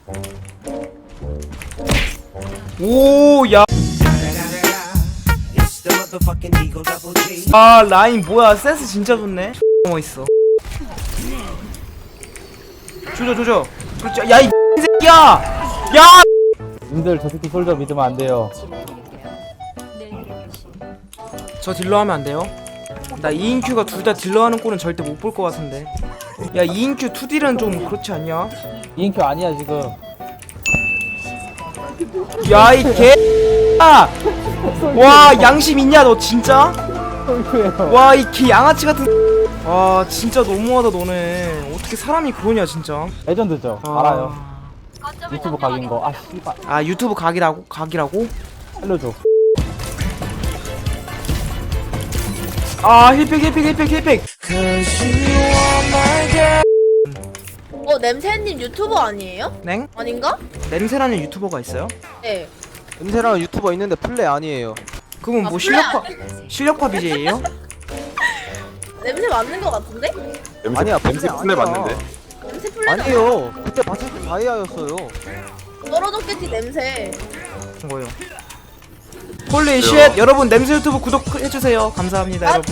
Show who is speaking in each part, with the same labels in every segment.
Speaker 1: 오, 야. 아, 라인 뭐야? 센스 진짜 좋네. 멋있어. 조져. 그렇지. 야, 이 새끼야. 야.
Speaker 2: 님들 저 새끼 솔저 믿으면 안 돼요.
Speaker 1: 저 딜러 하면 안 돼요? 나 2인큐가 둘 다 딜러 하는 꼴은 절대 못 볼 것 같은데. 야, 2인큐 2딜은 좀 그렇지 않냐?
Speaker 2: 인큐 아니야 지금.
Speaker 1: 야, 이 개. 와, 양심 있냐 너 진짜?
Speaker 2: 솔큐예요.
Speaker 1: 와, 이 개 양아치 같은. 와, 진짜 너무하다 너네. 어떻게 사람이 그러냐 진짜.
Speaker 2: 레전드죠. 알아요. 유튜브 각인 거. 아 씨발.
Speaker 1: 아, 유튜브 각이라고?
Speaker 2: 살려줘.
Speaker 1: 아, 힐팩.
Speaker 3: 냄새님 유튜버 아니에요?
Speaker 1: 냉?
Speaker 3: 아닌가?
Speaker 1: 냄새라는 유튜버가 있어요?
Speaker 3: 네.
Speaker 4: 냄새라는 유튜버 있는데 플레이 아니에요.
Speaker 1: 그분
Speaker 3: 아,
Speaker 1: 뭐
Speaker 3: 플레이
Speaker 1: 실력파 BJ예요?
Speaker 3: 냄새 맞는 거 같은데?
Speaker 4: 아니야,
Speaker 5: 냄새
Speaker 4: 플레이
Speaker 5: 플레
Speaker 4: 아니야.
Speaker 5: 맞는데.
Speaker 3: 냄새 플레이
Speaker 4: 아니에요. 그때 봤을 때 다이아였어요.
Speaker 3: 떨어졌겠지 냄새.
Speaker 1: 뭐요? 홀리 쉣! 여러분 냄새 유튜브 구독해주세요. 감사합니다 여러분.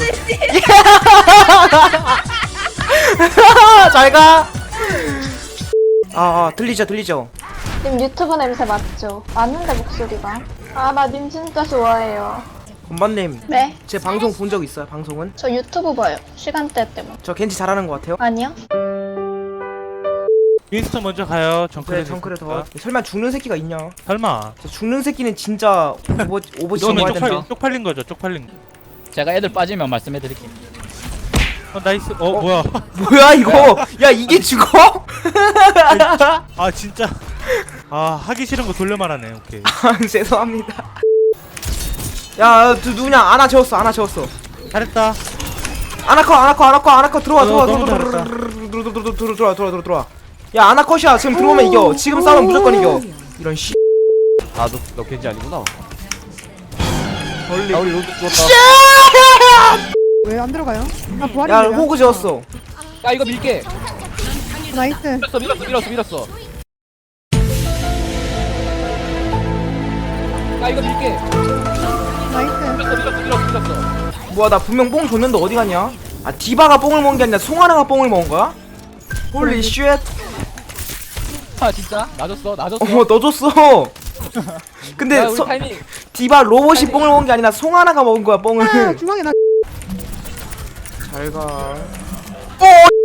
Speaker 1: 잘가. 들리죠.
Speaker 6: 님 유튜브 냄새 맞죠? 맞는데 목소리가. 아 나 님 진짜 좋아해요.
Speaker 1: 건반님,
Speaker 6: 네?
Speaker 1: 제 방송 본 적 있어요? 방송은?
Speaker 6: 저 유튜브 봐요. 시간대 때문에.
Speaker 1: 저 겐지 잘하는 것 같아요.
Speaker 6: 아니요?
Speaker 7: 윈스턴 먼저 가요. 정크레
Speaker 1: 그래 정크레 더. 설마 죽는 새끼가 있냐?
Speaker 7: 설마.
Speaker 1: 저 죽는 새끼는 진짜 오버치
Speaker 7: 이거는
Speaker 1: 먹어야 된다.
Speaker 7: 쪽팔린 거죠. 쪽팔린 거.
Speaker 8: 제가 애들 빠지면 말씀해드릴게요.
Speaker 7: 나이스. 뭐야?
Speaker 1: 뭐야 이거? 야 이게 죽어?
Speaker 7: 아 진짜. 하기 싫은 거 돌려 말하네. 오케이.
Speaker 1: 죄송합니다. 야 누구냐? 아나 재웠어.
Speaker 7: 잘했다.
Speaker 1: 아나커 들어와.
Speaker 7: 너무 잘했다.
Speaker 1: 들어와. 야 아나컷이야. 지금 들어오면 이겨. 지금 싸우면 무조건 이겨. 이런 씨.
Speaker 4: 너 겐지 아니구나.
Speaker 1: 벌리.
Speaker 4: 우리 로드 죽었다.
Speaker 9: 왜 안 들어가요? 아 부활이
Speaker 1: 야 호그 재웠어.
Speaker 8: 야 이거 밀게.
Speaker 9: 나이스.
Speaker 8: 밀었어. 야 이거 밀게.
Speaker 9: 나이스.
Speaker 8: 밀었어.
Speaker 1: 뭐야 나 분명 뽕 줬는데 어디 갔냐? 아 디바가 뽕을 먹은 게 아니라 송하나가 뽕을 먹은 거야? 홀리 쉣.
Speaker 8: 아 진짜? 놔줬어.
Speaker 1: 너 줬어. 근데
Speaker 8: 야 우리 타이밍.
Speaker 1: 디바 로봇이 뽕을 먹은 게 아니라 송하나가 먹은 거야 뽕을.
Speaker 9: 아 중앙에 나.
Speaker 1: 잘 가. 오!